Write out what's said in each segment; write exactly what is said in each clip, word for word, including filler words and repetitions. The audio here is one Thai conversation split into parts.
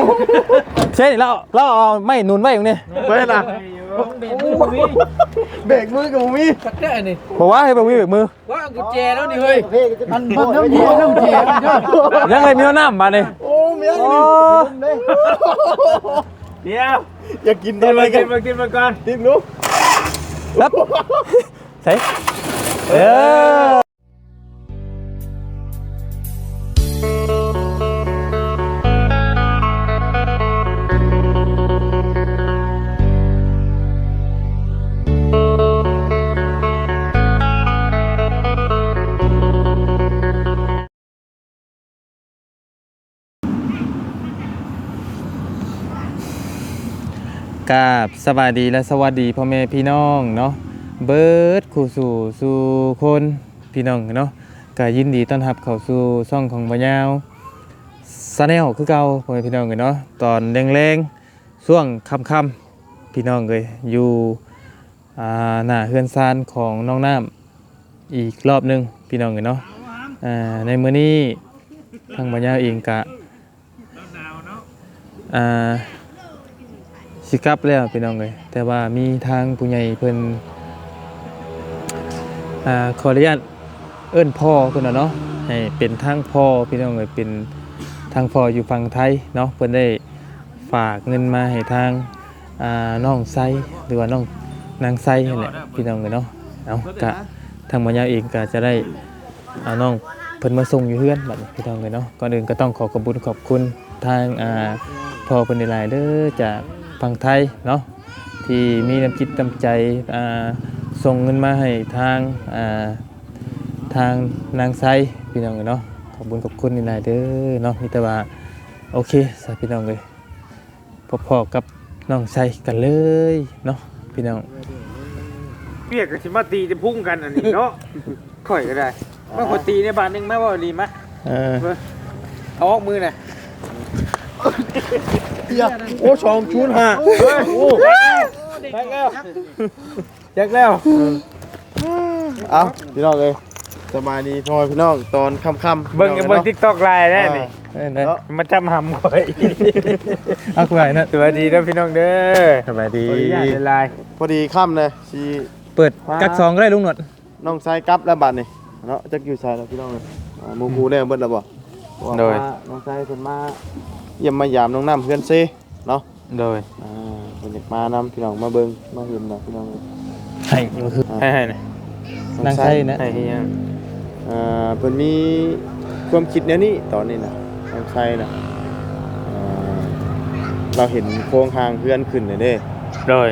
ใช่เราเราเอาไม่หนุนไว้ตรงนี้เว้ยล่ะเบรกมือกับมีสักแค่นี่บอกว่าให้เบงมือเบงมือว่ากุญแจแล้วนี่เฮ้ยมันมันน้ำเย็นน้ำเย็นยังไงมีน้ำมาเนี่ยโอ้เมียนี่เดี๋ยวอยากกินตอนไหนกันมากินมาก่อนทิมลูกรับใส่เออกับสวัสดีและสวัสดีพ่อแม่พี่น้องเนาะเบิร์ดคู่สู่สู่คนพี่น้องเนาะก็ยินดีต้อนรับเข้าสู่ช่องของบ่ยาวซาแนลคือเก่าพ่อแม่พี่น้องเนาะตอนแรงๆช่วงค่ำๆพี่น้องเลยอยู่อ่าหน้าเฮือนซานของน้องน้ำอีกรอบหนึงพี่น้องเนาะอ่าในมื้อนี้ทางบ่ยาวเองกะอ่าสิกลับแล้วพี่น้องเลยแต่ว่ามีทางผู้ใหญ่เพิ่นอ่าขออนุญาตเอิ้นพ่อเพิ่นน่ะเนาะให้เป็นทางพ่อพี่น้องเลยเป็นทางพ่ออยู่ฝั่งไทยเนาะเพิ่นได้ฝากเงินมาให้ทางอ่าน้องไซหรือว่าน้องนางไซนั่นแหละพี่น้องเลยเนาะเอากะทางบ่ยาวเองก็จะได้เอาน้องเพิ่นมาส่งอยู่เฮือนบัดนี้พี่น้องเลยเนาะก่อนอื่นก็ต้องขอขอบคุณขอบคุณทางอ่าพ่อเพิ่นหลายๆเด้อจากฝั่งไทยเนาะที่มีน้ำจิตน้ำใจอ่าส่งเงินมาให้ทางอ่าทางนางไซพี่น้องเนาะขอบคุณขอบคุณนี่หลายเด้อเนาะมีแต่ว่าโอเคสาพี่น้องเลยพอๆกับน้องไซกันเลยเนาะพี่น้องเปียกกับชิมาตีจะพุ่งกันอันนี้เนาะข่อยก็ได้มาขอตีในบ้านนึงแม่ว่าดีมั้ยเออเอาออกมือน่ะโอ้ชองชูนฮะโอ้แจ็คแล้วแจ็คแล้วเอาพี่น้องเลยสบายดีพ่อพี่น้องตอนค่ำๆเบิ่งเบิ่ง TikTok ไลน์ได้นี่เออเนาะมาจำหำข่อยเอาคุยนะสวัสดีนะพี่น้องเด้อสบายดีขออนุญาตในไลน์พอดีค่ำเลยชีเปิดกักซองก็ได้ลุงหนวดน้องชายกลับแล้วบัดนี่เนาะจักอยู่ชายแล้วพี่น้องเลยอ่าหมูกูได้เบิดแล้วบ่โดยน้องชายเพิ่นมาเยี่ยมมายามน้องน้ำเพื่อนเซเนาะโดยอ่าเพิ่นอยากมานำพี่น้องมาเบิ่งมาเห็นนะพี่น้องเลยให้ก็คือให้ให้นะนางไซนะให้ให้ยังอ่าเพิ่นมีความคิดแนวนี้ตอนนี้นะน้องชายนะอ่าเราเห็นโครงทางเพื่อนขึ้นเลยเด้โดย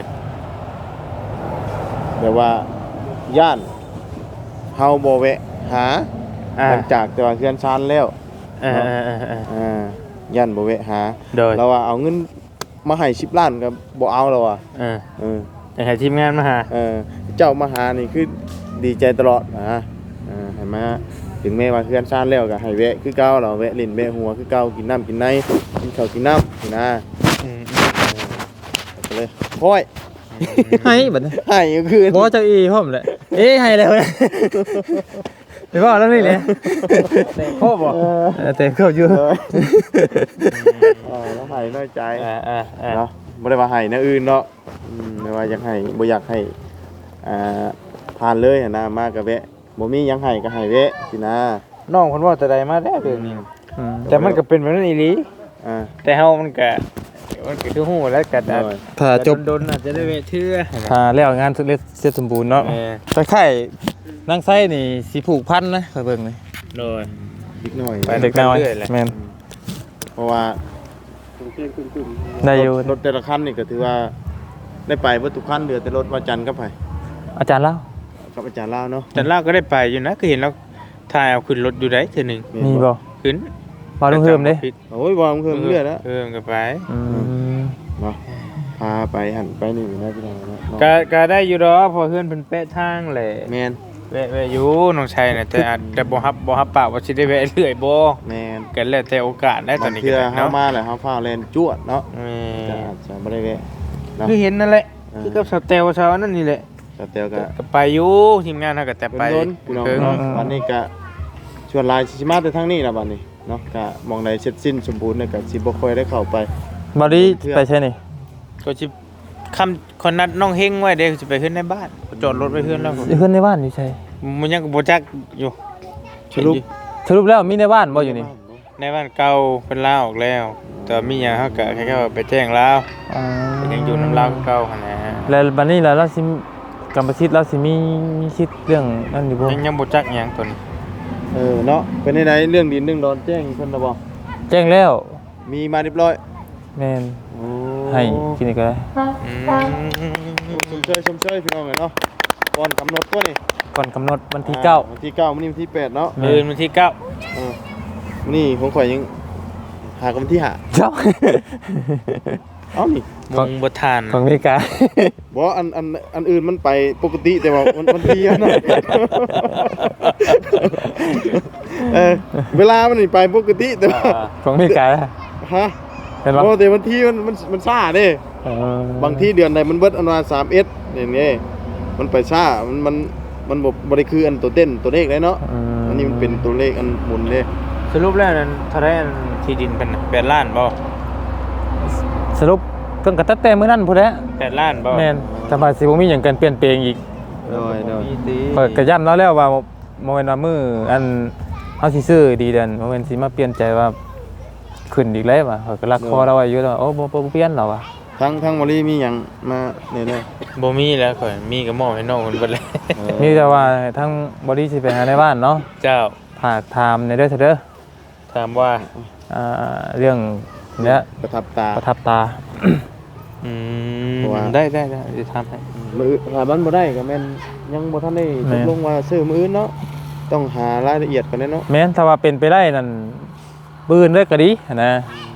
แต่ว่าย่านเฮาบ่แวะหาอ่าหลังจากแต่ว่าเพื่อนชานแล้วอ่าอ่าอ่าอ่าอ่าย่านบ่แวะหาโดยเราว่าเอาเงินมาให้สิบล้านก็บ่เอาแล้วอ่ะอ่าเออให้ทีมงานมาหาเออเจ้ามาหานี่คือดีใจตลอดนะเออให้มาถึงแม้ว่าเพื่อนชานแล้วก็ให้แวะคือเก่าเราแวะเล่นแวะหัวคือเก่ากินน้ำกินในกินข้าวกินน้ำนี่นะอืมก็เลยพ้อยให้บัดนี้ให้ก็คือบ่เจ้าอีพร้อมแหละเอ้ให้แล้วนะไปว่าแล้วนี่แหละโค้บ่เออเออแต่เข้าอยู่เออเออแล้วให้น้อยใจอ่าอ่าอ่าเนาะบ่ได้ว่าให้แนวอื่นเนาะอืมไม่ว่าอยากให้บ่อยากให้อ่าผ่านเลยอะนะมาก็แวะบ่มีหยังให้ก็ให้แวะสินะน้องเพิ่นว่าแต่ใดมาแล้วเรื่องนี้อืมแต่มันก็เป็นแบบนั้นอีหลีอ่าแต่เฮามันก็มันก็คือฮู้แล้วก็อาจโดยถ้าจบโดนๆอาจจะได้เวทเชื่อถ้าแล้วงานเสร็จเสร็จสมบูรณ์เนาะเออแต่ไข่นางไส้นี่สิผูกพันนะคอยเบิ่งนี่โดยอีกหน่อยไปเด็กน้อยเรื่อยๆแหละแม่นเพราะว่าได้อยู่รถรถแต่ละคันนี่ก็ถือว่าได้ไปเบิดทุกคันเหลือแต่รถว่าจันทร์กับไผอาจารย์เล่ากับอาจารย์ลาวเนาะแต่ลาวก็ได้ไปอยู่นะคือเห็นเราถ่ายเอาขึ้นรถอยู่ได้เทื่อหนึงมีบ่ขึ้นมาลุงเพิ่มเด้โอ้ยบ่เพิ่มเรื่อยแล้วเพิ่มก็ไปอืมเนาะพาไปหันไปนี่นะพี่น้องเนาะก็ก็ได้อยู่ดอกเพอเพื่อนเพิ่นแปะทางแหละแม่นแวะแวะอยู่น้องชัยน่ะแต่อาจจะบ่ฮับบ่ฮับปากว่าสิได้แวะเรื่อยบ่แม่นกันแล้วแต่โอกาสได้ตอนนี้เพื่อก็เฮาเนาะมาแล้วเฮาฟ้าวแล่นจวดเนาะแม่จะจะบ่ได้แวะเนาะคือเห็นนั่นแหละอ่าคือกับสเตลชาวนั่นนี่แหละแต่เตียวก็ก็ไปอยู่ทีมงานเฮาก็แต่ไปโดนๆพี่น้องเพิ่งเนาะวันนี้ก็ชวนหลายสิมาแต่ทางนี้ล่ะบัดนี้เนาะก็มองในเสร็จสิ้นสมบูรณ์เนี่ยก็สิบ่ค่อยได้เข้าไปบอดี้ไปใช่นี่ก็สิคำคนนัดน้องเฮงไว้เด้สิไปขึ้นในบ้านจอดรถไว้เพื่อนแล้วอยู่เพื่อนในบ้านอยู่ใช่มันยังบ่จักอยู่สรุปสรุปแล้วมีในบ้านบ่อยู่นี่ในบ้านเก่าเพิ่นลาออกแล้ว แต่มีหยังเฮาก็แค่ว่าไปแจ้งลาวอ๋อยังอยู่นำลาวเก่าหั่นนะแล้วบัดนี้แล้วเราสิกรรมสิทธิ์เราสิมีมีสิทธิ์เรื่องนั่นอยู่บ่ยังยังบ่จักหยังตัวนี้เออเนาะเป็นไหนๆเรื่องดินเรื่องดอนแจ้งเพิ่นน่ะบ่แจ้งแล้วมีมาเรียบร้อยแม่นโอ้ให้กินอีกก็ได้อืมชมเชยชมเชยพี่น้องเอ้ยเนาะก่อนกำหนดตัวนี่ก่อนกำหนดวันที่เก้าวันที่เก้ามื้อนี้วันที่แปดเนาะมื้อวันที่เก้าเออมื้อนี้ของข่อยยังหากันวันที่ห้าเจ้าเอ้านี่มงบ่ทานของอเมริกาบ่อันอันอันอื่นมันไปปกติแต่ว่ามันมันที่อะเนาะ เออเวลามันนี่ไปปกติแต่ว่าของอเมริกาฮะเห็นบ่โอ้แต่วันที่มันมันมันซ่าเด้เออบางที่เดือนใดมันเบิดอันว่าสามเอสนี่นี่มันไปซ่ามันมันมันบ่บ่ได้คืออันตัวเต้นตัวเลขเลยเนาะมอันนี้มันเป็นตัวเลขอันหมุนเด้สรุปแล้วนั้นเท่าไหร่อันที่ดินเป็นน่ะแปดล้านบ่สรุปเพิ่นก็ตัดแต่มื้อนั้นพุ่นแหละแปดล้านบ่แม่นแต่ว่าสิบ่มีหยังกันเปลี่ยนแปลงอีกโดยโดยมีติเปิดกระย่ำแล้วแล้วว่าโมเมนต์ว่ามืออันเฮาสิซื้อดีเด่นโมเมนต์สิมาเปลี่ยนใจว่าขึ้นอีกแล้วว่ะเขาก็รักคอเราไว้อยู่แล้วว่าโอ้บ่บ่บ่เปลี่ยนแล้วว่ะทั้งทั้งมอลี่มีหยังมาเนี่ยเด้บ่มีแล้วข่อยมีก็มอบให้น้องเพิ่นเบิดเลยเออมีแต่ว่าทั้งบอดี้สิไปหาในบ้านเนาะเจ้าฝากถามในเด้อเถอะเด้อถามว่าอ่าเรื่องเนี้ยประทับตาประทับตาอืมเพราะว่าได้ได้ได้จะทำให้มือหาบ้านบ่ได้ก็แม่นยังบ่ทันได้ตกลงว่าซื้อมื้ออื่นเนาะต้องหารายละเอียดก่อนเนาะแม้นถ้าว่าเป็นไปได้นั่นปืนเด้อก็ดีนะ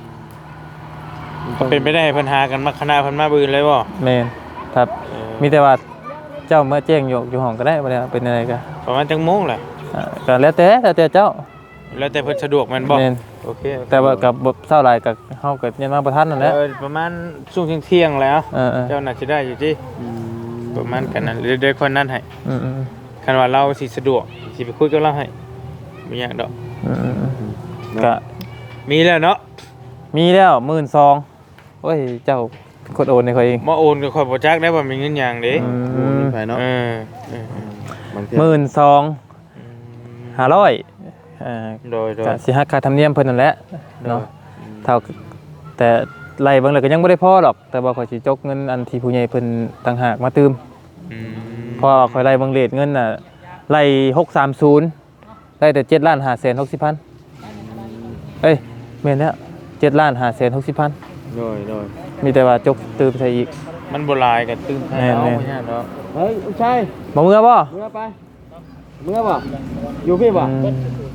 ก็เป็นไปได้ให้เพิ่นหากันมาคณะเพิ่นมาบืนเลยบ่แม่นครับเออมีแต่ว่าเจ้าเมื่อแจ้งอยู่อยู่ห้องก็ได้บ่ได้ว่าเป็นอะไรก็ประมาณจังโมงแหละอ่าก็แล้วแต่แล้วแต่เจ้าแล้วแต่เพิ่นสะดวกแม่นบ่แม่นโอเคแต่ว่ากับบ่เท่าไหร่ก็เฮาก็ยังมาบ่ทันนั่นแหละเออประมาณช่วงเที่ยงๆแล้วเออเจ้าน่าจะได้อยู่ติอืมประมาณกันนั้นเดี๋ยวเดี๋ยวคนนั้นให้ๆอืมๆคันว่าเราสิสะดวกสิไปคุยกับเราให้บ่ยากดอกอืมๆๆก็มีแล้วเนาะมีแล้วหมื่นสองโอ้ยเจ้าเป็นคนโอนให้เขาเองมาโอนก็ค่อยบ่จักได้ว่ามีเงินหยังเด้อืโอ้มยไปเนาะเออเออบางทีหมื่นสองห้าร้อยอ่าโดยโดยก็สิหักค่าธรรมเนียมเพิ่นนั่นแหละเนาะเท่าแต่ไล่เบิ่งแล้วก็ยังบ่ได้พอหรอก แต่ว่าข่อยสิจกเงินอันที่ผู้ใหญ่เพิ่นต่างหากมาตืมอืมเพราะว่าข่อยไล่เบิ่งเรทเงินน่ะไล่หกสามศูนย์ได้แต่เจ็ดล้านห้าแสนหกสิบพันเอ้ยแม่นแล้วเจ็ดล้านห้าแสนหกสิบพันโดยโดยมีแต่ว่าจกตืมใส่อีกมันบ่หลายก็ตื่นให้เอาแม่นๆบ่ยากดอกเฮ้ยลูกชายบ่เมื่อบ่เมื่อไปเมื่อบ่อยู่พี่บ่อืม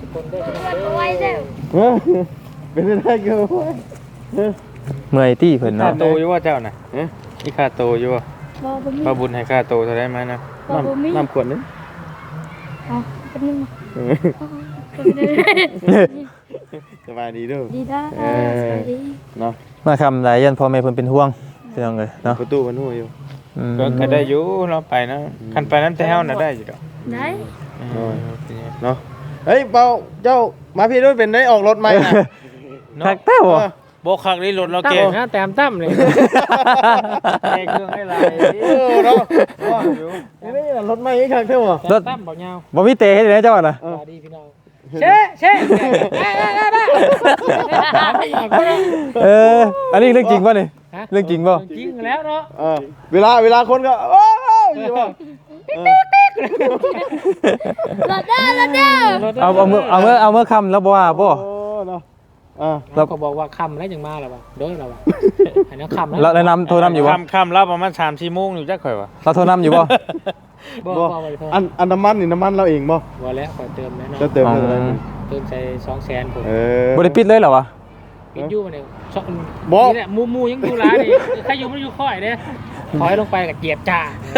เออเป็นไปได้เกี่ยวเออเมื่อยตี้เพิ่นค่าเนาะโตอยู่ว่าเจ้าน่ะเอ๊ะมีค่าโตอยู่ว่าบ่บ่มีพระบุญให้ค่าโตเท่าได้ไหมนะบ่บ่มีน้ำขวดนึงอ๋อเป็นนึงเออ สบายดีเด้วยดีด้าเออสวัสดีเนาะมาคำหลายยันพ่อแม่เพิ่นเป็นห่วงพี่น้องเอ้ยเนาะประตูมันหัวอยู่อืมก็ก็ได้อยู่เราไปนะคันไปนั้นแต่เฮาน่ะได้อยู่ดอกได้เออเนาะเฮ้ยเปาเจ้ามาพี่ด้วยเป็นได้ออกรถไหมนะคักแต้วบ่บ่คักนี่รถเราเก่งนะแต้มตั้มเลยแก้เครื่องให้หลายเออเนาะว่าอยู่นี่รถไหมอีกครั้งเท่าไหร่รถตั้มบ่ยาวบ่มีเตะให้เลยนะเจ้าน่ะเออดีพี่น้องเช่เช่ได้ได้เอออันนี้เรื่องจริงป่ะนี่เรื่องจริงป่ะจริงแล้วเนาะเออเวลาเวลาคนก็ว้าวอยู่ว่ารถด้า รถด้าเอาเอามือเอามือเอามือคำแล้วบ่ว่าบ่โอ้เนาะอ่าเราเขาบอกว่าคำแล้วยังมาแล้ววะโดยเราวะอันนั้นคำเราแนะนำโทรนำอยู่บ่ค่ำค่ำแล้วประมาณ สามสี่โมงอยู่จักข่อยว่าเราโทรนำอยู่บ่บอกบ่บอกไปพออันอันน้ำมันนี่น้ำมันเราเองบ่ว่าแล้วขอเติมแน่นอนจะเติมเท่าไหร่เติมใส่สองแสนผมเออบ่ได้ปิดเลยเหรอวะปิดยู่มาเนี่ยชอบบอกนี่แหละมูมูยังอยู่ร้านนี่ใครอยู่ไม่อยู่ค่อยเนี่ยถอยลงไปกับเกียบจ่า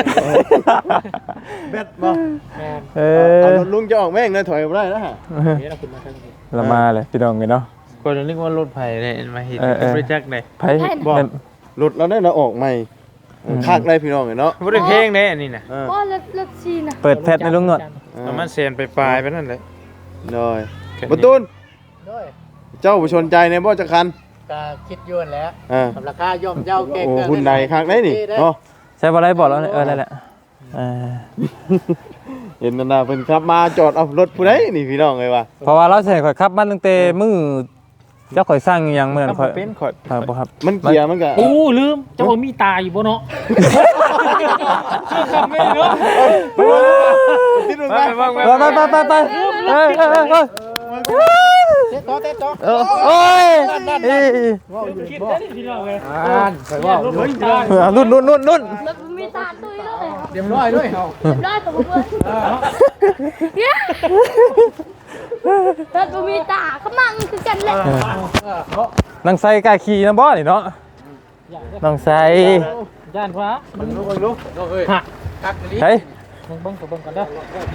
เบ็ดบ่แม่นเอเอาอรถลุงจะออกแม่งเลยถอยบ่ได้นะฮะเดี๋ยวเราขึ้นมาทางนี้เรามาเลยพี่น้องกันเนาะก็นึกว่ารถไผได้มาเฮ็ดเออเออบ่จักได้ไผบ่ รถเราได้เราออกใหม่คักได้พี่น้องเนาะบ่ได้เพลงเด้อันนี้น่ะเออบ่รถรถชีน่ะเปิดแพทในลุงหนวดประมาณแสนไปปลายไปนั่นแหละโดยประตูนเจ้าผู้ชนใจในบ่จักคันก็คิดย้อนแล้วอ่ากับราคาย่อมเจ้าเก่งโอ้หุ่นใดคักได้นี่เนาะใช่บ่ได้บอกแล้วเออนั่นแหละเออเห็นนั่นน่ะเพิ่นขับมาจอดเอารถผู้ใดนี่พี่น้องเอ้ยว่าเพราะว่าเราใส่ข่อยขับมันตั้งแต่มื้อเจ้าข่อยสร้างอหยังเหมือนข่อยเป็นข่อยครับบ่ครับมันเกียร์มันก็โอ้ลืมเจ้ามีตาอยู่บ่เนาะเชื่อคำไม่เนาะติดลงไปไปบ้างไปไปไปไปไปเอ้ยเอ้ยเอ้ยเอ้ยเต๊ะต่อเต๊ะต่อเออโอ้ยเอ้ยคิดได้พี่น้องเว้ยอ่านไปว่าลูกมีตาเออนุ่นนุ่นนุ่นนุ่นรถมีตาตุ้ยเลยเรียบร้อยด้วยเฮาเรียบร้อยผมเพื่อนเนี่ยรถมีตาเขามั่งคือกันแหละนางไซกล้าขี่นะบ่นี่เนาะนางไซย่านพระมึงรู้มึงรู้ฮะกักลิ้นเฮ้ยมึงเบิ่งกับเบิ่งกันเด้อ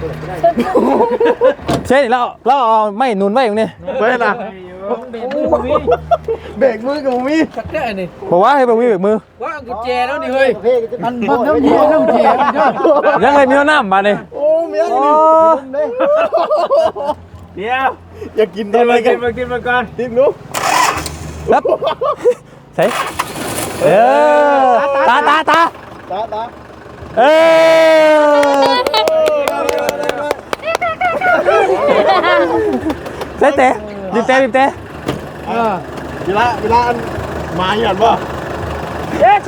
เช่นเราเราเอาไม้หนุนไว้ตรงนี้ไปล่ะเบรกมือมีเบรกมือก็บ่มีสักได้นี่บอกว่าให้ไปวิ่งเบรกมือว่ากุญแจแล้วนี่เฮ้ยมันมันน้ำเย็นน้ำเย็นยังไงมีน้ำมาเนี่ยโอ้เมียโอ้เดี๋ยวอย่ากินกิอะนไรมากักินนมากินมาก่อนดิ้นลูกรับใส่เออตาตาตาตาตาเออใส่เตะดิบเตะดิบเตะเวลาเวลาอันมาหยัดบ่เย้ใช่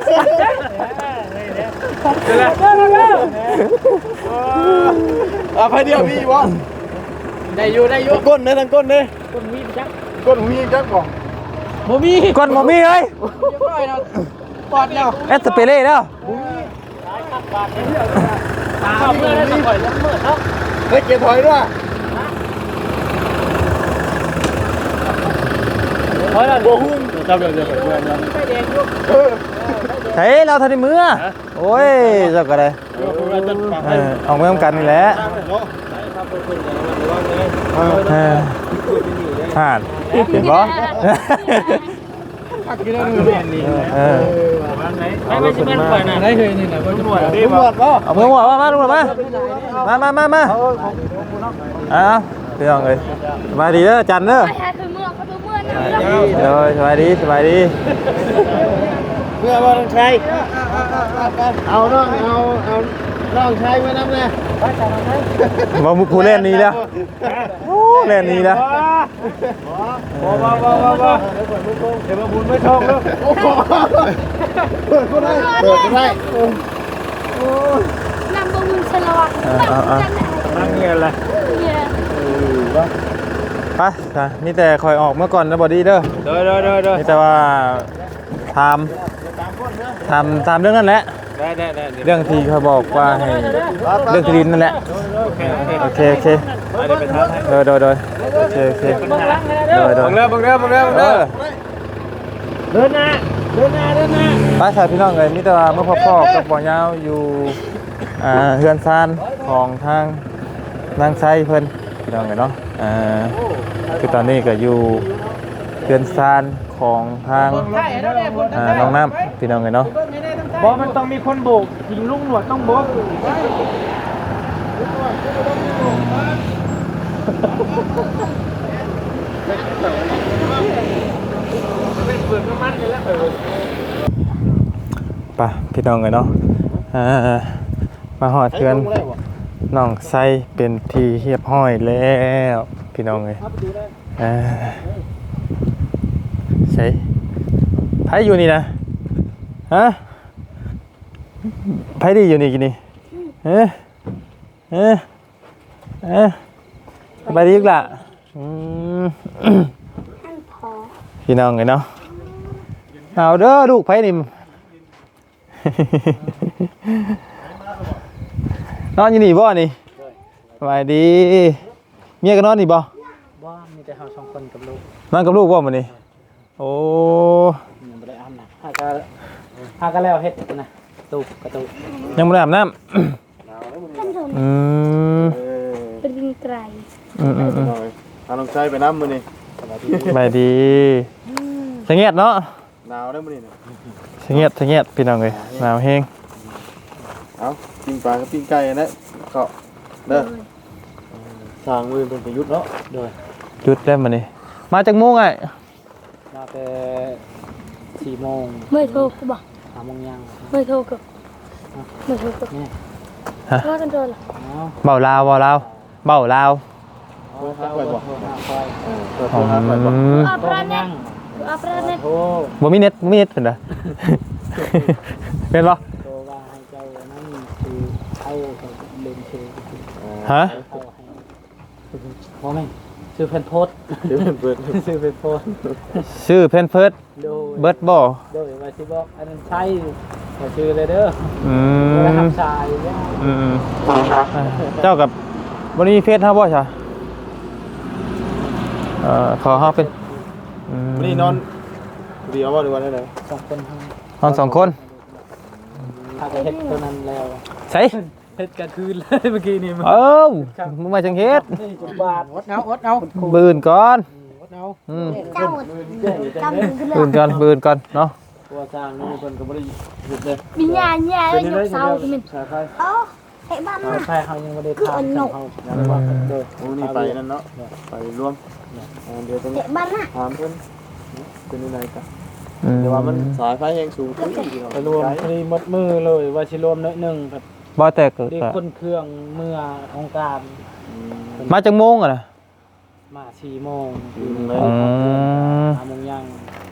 อ่ะไปเดียวมีบ่ได้อยู่ได้อยู่ก้นเด้อทางก้นเด้อคนมีจักก้นมีจักบ่บ่มีก้นหมอมีเลยเรียบร้อยแล้วปอดแล้วเอสเปเล่แล้วตาเมื่อได้สักก่อยแล้วเมื่อเนาะเฮ้ยเกียร์ถอยด้วยถอยแล้วบ่หุ้มจับเดี๋ยวเดี๋ยวเดี๋ยวไฟแดงอยู่เออใส่เราทันในมือโอ้ยเจ้าก็ได้เออเอาเมื่อกันนี่แหละเออผ่านเห็นบ่พักกินแล้วนี่แม่นนี่เออไม่ไม่ใช่แม่นปล่อยนะได้เลยนี่นะบ่ตำรวจดีบ่บ่เอามือหมดมามาลุงหมดมามามามามาเอาพี่น้องเอ้ยสบายดีเด้อจันเด้อไปหาคือเมืองเขาดูเมืองนะเดี๋ยวสบายดีสบายดีเพื่อบ่ต้องใช้เอาน้องเอาเอาน้องใช้ไว้นำแน่มาผู้เล่นนี้แล้วโอ้เล่นนี้แล้วบ่บ่บ่บ่บ่เดี๋ยวมาบุญไม่ทองแล้วโอ้โหเปิดก็ได้เปิดก็ได้นำบะมุงชะลวักกันแหละนั่งเงี้ยแหละเนี่ยไปจ้ะมีแต่คอยออกเมื่อก่อนนะบอดี้เด้อเด้อเด้อเด้อเด้อมีแต่ว่าทำทำตามเรื่องนั้นแหละได้ได้ได้เรื่องที่เขาบอกว่าให้เรื่องที่ดินนั่นแหละโอเคโอเคโอเคโอเคเดี๋ยวไปทานให้โดยโดยโดยโอเคโอเคโดยโดบัยงเด้อบังเด้อบังเด้อบังเอเด้ออเดินหน้าเดินหน้าเดินหน้าไปสายพี่น้องเลยมีแต่ว่าเมื่อพ่อพ่อกับบ่อยาวอยู่อ่าเฮือนซานของทางนางไซเพิ่นพี่น้องเลยเนาะอ่าคือตอนนี้ก็อยู่เฮือนซานของทางอ่าน้องน้ำพี่น้องเลยเนาะบอกมันต้องมีคนโบกยิงลุงหนวดต้องโบกไปพี่น้องเลยเนาะอ่ามาหอดเพื่อนน้องไซเป็นทีเรียบห้อยแล้วพี่น้องเลยอ่าใช่ไผอยู่นี่นะฮะไผดีอยู่นี่กินนี่เอ๊ะเอ๊ะเอ๊ะสบายดีอีกล่ะอืมพอพี่น้องเลยเนาะเอาเด้อลูกไผนี่ นอนอยู่นี่บ่นี่สบายดีเมียก็นอนนี่บ่บ่มีแต่เฮาสองคนกับลูกนอนกับลูกบ่มื้อนี้โอ้ยังบ่ได้อาบน้ำหาก็หาก็แล้วเฮ็ดนะตูกระตูยังบ่ได้อาบน้ำท่านชมอืมเป็นดินไกรอืมอืมอืมเอาน้องใช้ไปน้ำมือนี่สบายดีสงเงียดเนาะหนาวได้มือนี่สงเงียดสงเงียดพี่น้องเอ้ยหนาวแฮงเอาปิ้งปลากับปิ้งไก่นะก็เด้อสร้างมือเป็นประยุทธ์เนาะโดยหยุดแล้วมื้อนี้มาจากโมงไงมาแต่สี่โมงไม่โทรกูบอกสามโมงยังไม่โทรกูไม่โทรกูนี่โทรกันโทรเหรอเอาเบาลาวเบาลาวเบาลาวเอาเจ้าเบอร์โทรหาคอยเปิดโทรหาไปบ่อืมอัปโทรราเน็ยัตงอัปราเน็ตโทรบ่มีเน็ตบ่มีเน็ตเพิ่นน่ะ เป็นบ่โทรว่าให้เจ้านั่นคือเข้าเล่นเชยฮะเข้าให้เพราะไม่ซื้อแผ่นโพสเดี๋ยวเปิดซื้อแผ่นโพสชื่อเพนเฟิร์สโดยเบิร์ดบ่โดยว่าสิบอกอันนั้นใช่ขอชื่อเลยเด้ออือแล้วมทำชายเนี่ยอืมเจ้ากับบ่มีเฟซเฮาบ่ใช่เอ่อขอเฮาเป็นอืมนี่นอนเดียวบ่หรือว่าได้ไหนสองคนทั้งนอนสองคนถ้าจะเฮ็ดตัวนั้นแล้วใส่เฮ็ดกลางคืนเลยเมื่อกี้นี่มันเอ้ามึงมาจังเฮ็ดนี่จุบาทอดเอาอดเอาบืนก่อนอดเอาอืมเก้าหมดเก้าหมดขึ้นเลบืนก่อนบืนก่อนเนาะตัวสร้างนี่เพิ่นก็บ่ได้หยุดเลยมีญาณญาณยกเสาที่มันสายไฟเอ้าไอ้บ้านสาน่ะยไฟเฮายังบ่ได้ทำเขาอย่างว่าเด้อโอ้นี่ไปนั่นเนาะไปรวมอ่าเดี๋ยวต้องไอ้บ้านน่ะถามเพิ่นเป็นยังไงกันอืมเดี๋ยวว่ามันสายไฟแรงสูงขึ้นอีกไปรวมพอดีหมดมือเลยว่าสิรวมน้อยหนึงแบบบ่แต่ก็ได้คนเครื่องเมื่อของการมาจังโมงอ่ะนะมาสี่โมงอืมเลยอืมห้าโมงยัง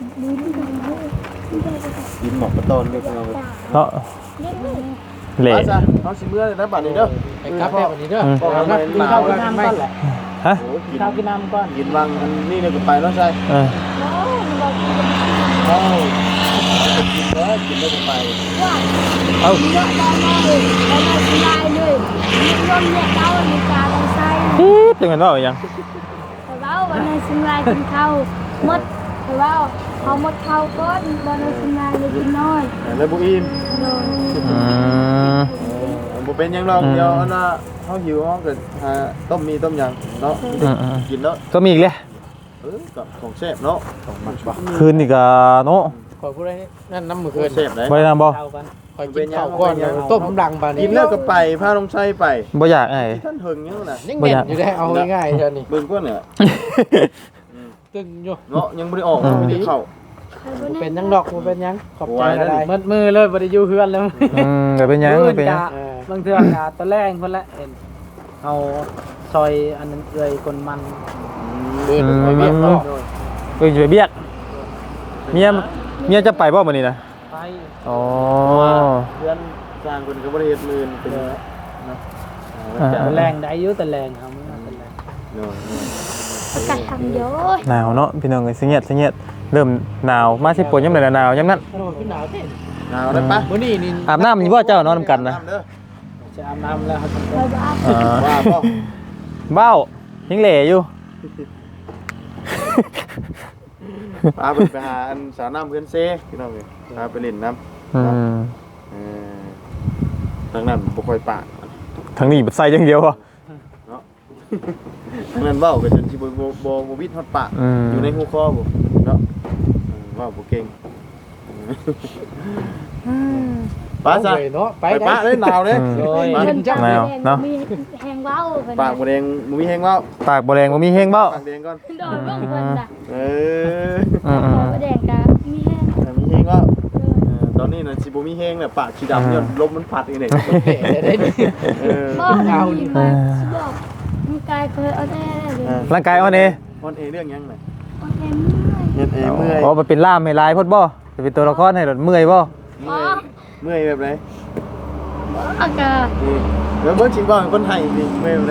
กินหมอกกระตอนเรียกเราเนาะเหละไปจ้ะเอาสิเมื่อเลยนะบัดนี้เด้อไปกลับแบบนี้เด้ออืมบอกนะกินข้าวกินน้ำก่อนแหละฮะโอ้กิกินนข้าวกินน้ำก่อนกินวังอันนี้เนี่ยก็ไปแล้วใช่เออเอ้ากินแล้วกินแล้วก็ไปเอ้าเยอะได้มากเลยได้มาสบายเลยมีลมเนี่ยเก้ามีกาลงไส้อีดจังกันว่าอีหยังแต่ว่าวันนั้นสบายกินข้าวหมดแต่ว่าเขาหมดข้าวก้อนวันนั้นสบายเลยกินน้อยแล้วบุอินโดนอืมบุเป็นหยังหรอกเดี๋ยวอันน่ะเขาหิวเขาก็หาต้มมีต้มหยังเนาะอืมอืมกินแล้วก็มีอีกเลยเออกับของแซ่บเนาะของมันปะคืนนี่ก็เนาะขอพูดอะไรนั่นน้ำมือคืคือน แซ่บเลยบ่ได้นำบ่ข้าวกันคอยกินข้าวก่ก่ออน นต้มดังปานนี้กินแล้วก็ไปพาลงไส้ไปบ่อยากไอ้ท่านเฮิงยังน่ะยังเด่นอยู่ได้เอาง่ายๆเท่านี้เบิ่งก้นเนี่ยตึงอยู่เนาะยังไม่ได้ออกไม่ได้เข้าเป็นยังดอกบ่เป็นยังขอบใจอะไรมัดมือเลยบ่ได้อยู่เฮือนแล้วอืมก็เป็นหยังเป็นหยังบางเทื่อกะตะแรงคนละเห็นเอาซอยอันนั้นเอ่ยคนมันเดินไปเวียกเนาะเพิ่นจะไปเบียกเมียเมียจะไปบ่มื้อนี้นะไปอ๋อเพื่อนสร้างคนก็บ่ได้เฮ็ดมือเป็นเนาะตะแรงได้อยู่ตะแรงครับมื้อตะแรงเนาะประกาศทำเยอะหนาวเนาะพี่น้องเอ้ยสิเงียดสิเงียดเริ่มหนาวมาสิปนยามใดหนาวยามนั้นโอ้ขึ้นหนาวเด้หนาวได้ปะมื้อนี้นี่อาบน้ำอยู่บ่เจ้านอนนำกันนะจะอาบน้ำแล้วครับไปบ้านอ่าว่าป่ะเบ้ายังเหล่อยู่พาไปไปหาอันสาวน้ำเพื่อนเซ่พี่น้องเลยพาไปเล่นน้ำอืมเออทางนั้นบ่ค่อยปากทางนี้บัดใส่อย่างเดียวอ่ะเนาะทางนั้นเว้าก็จนสิบ่บ่บ่บ่วิดฮอดปากอืมอยู่ในหูคอบ่เนาะเออเว้าบ่เก่งป้าซะเนาะไปไปป้าเลยหนาวเลยอืมโดยป้าเงินจังแดงมีแหงว้าวปากบ่แดงบ่มีแฮงเว้าปากบ่แดงบ่มีแห้งเบ้าปากแดงก่อนโดนบ้างคนจ้ะเอออืมขอแดงกะมีแห้งแต่มีแฮงเว้าเออตอนนี้น่ะสิบ่มีแฮงน่ะปากสีดำย้อนลมมันพัดอีกนี่เออบ่เอาดีมาบอกมันกายเคยเอาแน่เลยร่างกายอ่อนเอออนเอเรื่องหยังน่ะเอาแน่เมื่อยเฮ็ดเอเมื่อยอ๋อมันเป็นล่ามให้ลายพดบ่จะเป็นตัวละครให้รถเมื่อยบ่เมื่อยเมื่อยแบบไหนอากาศนี่แล้วเบิ่งสิบ่คนไทยนี่เมื่อยแบบไหน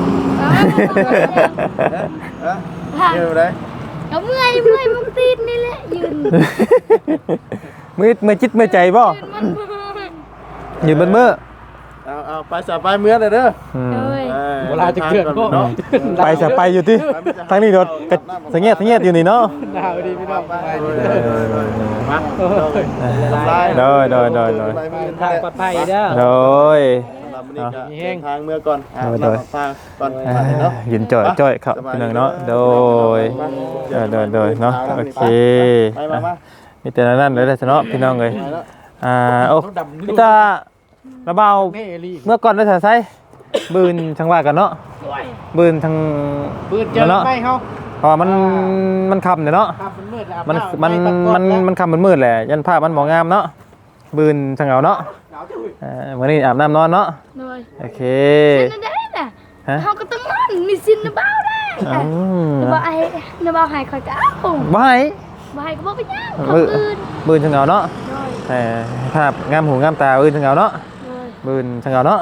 ฮะเมื่อยแบบไหนก็เมื่อยเมื่อยมันติดนี่แหละยืนมือมือจิตมือใจบ่ยืนมันยืนบนมือเอาเอาไปสะไปเมื่อเด้อเด้ออืมเลยออเวลาจะเกิดก็เนาะไปจะไปอยู่ที่ทางนี้รถก็สังเงียดสังเงียดอยู่นี่เนาะหนาวดีพี่น้องไปมาโดยโดยโดยโดยทางปลอดภัยเด้อโดยสำหรับวันนี้ก็เดินทางเมื่อก่อนอ่ะโดยรับฟังก่อนอ่าเนาะยืนจ่อยจ่อยครับพี่น้องเนาะโดยโดยโดยโดยเนาะโอเคไปมามามีแต่นั้นเลยแต่เนาะพี่น้องเลยอ่าโอ้พี่ตาระเบาเน่ลี่เมื่อก่อนได้ถ่ายไซบืนทางว่ากันเนาะบืนทางปืนเจอเนาะไม่เฮาเพราะว่ามันมันค่ำเนี่ยเนาะครับมันมืดแล้วมันมันมันมันค่ำมันมืดแหละยันภาพมันบ่งามเนาะบืนจังเอาเนาะเอ่อมื้อนี้อาบน้ำนอนเนาะโดยโอเคสินได้น่ะฮะเฮาก็ต้องนอนมีสินนะเบ้าได้อืมนะบ่ไอ้นะบ่ให้ข่อยก็เอาบ่ให้บ่ให้ก็บ่ไปย่างมืคนอื่นบืนจังเอาเนาะโดยเอ่อภาพงามหูงามตาบืนจังเอาเนาะโดยบืนจังเอาเนาะ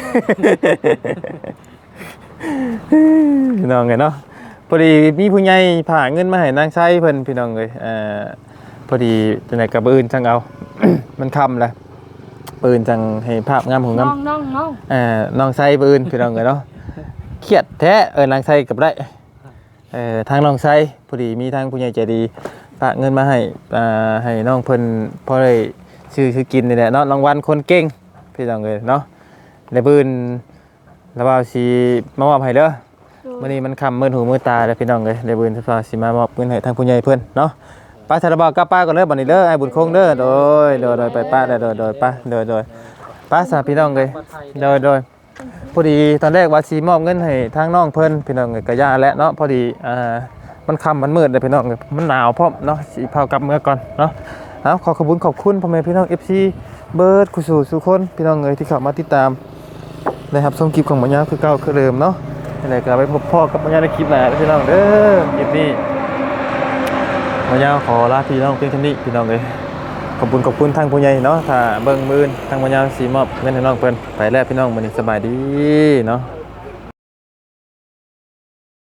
พี่น้องไงเนาะพอดีมีผู้ใหญ่ผ่าเงินมาให้นางใช้เพิ่นพี่น้องเลยเอ่อพอดีจังได๋ก็บืนจังเอา มันค่ำแล้วปืนจังให้ภาพงามหูงามน้องน้องน้องเอ่อน้องไซปืนพี่น้องเลยเนาะเครียดแท้เออนางไซกับได้เอ่อทางน้องไซพอดีมีทางผู้ใหญ่ใจดีฝากเงินมาให้อ่าให้น้องเพิ่นพอได้ชื่อชื่อกินนี่แหละเนาะรางวัลคนเก่งพี่น้องเลยเนาะแล้วปืนแล้วว่าสิมามอบให้เด้อมื้อนี้มันค่ำมืดหูมืดตาแล้วพี่น้องเลยแล้วปืนว่าสิมามอบเงินให้ทางผู้ใหญ่เพิ่นเนาะป้าชาลบอกกับป้าก่อนเด้อบัดนี้เด้อไอ้บุญคงเด้อโดยโดยโดยไปป้าเด้อโดยโดยป้าโดยโดยป้าสาพี่น้องเลยโดยโดย พอดีตอนแรกว่าสีมอบเงินให้ทางน้องเพิ่นพี่น้องก็ย่าแล้วเนาะพอดีอ่ามันค่ำมันมืดเลยพี่น้องมันหนาวพร้อมเนาะสิพากลับเมื่อก่อนเนาะเอาขอขอบคุณขอบคุณพ่อแม่พี่น้อง เอฟ ซี เบิร์ดกุสู่สุคนพี่น้องเอ้ยที่เข้ามาติดตามนะครับชมคลิปของหมอยาวคือเก่าคือเดิมเนาะอะไรก็ไปพบพ่อกับหมอยาวในคลิปหน้าพี่น้องเด้อคลิปนี้หมอยาวขอลาพี่น้องเพียงเท่านี้พี่น้องเอ้ยขอบคุณขอบคุณทางผู้ใหญ่เนาะถ้าเบิ่งมือทางหมอยาวสิมอบเงินให้น้องเพิ่นไปแล้วพี่น้องมื้อนี้สบายดีเนาะ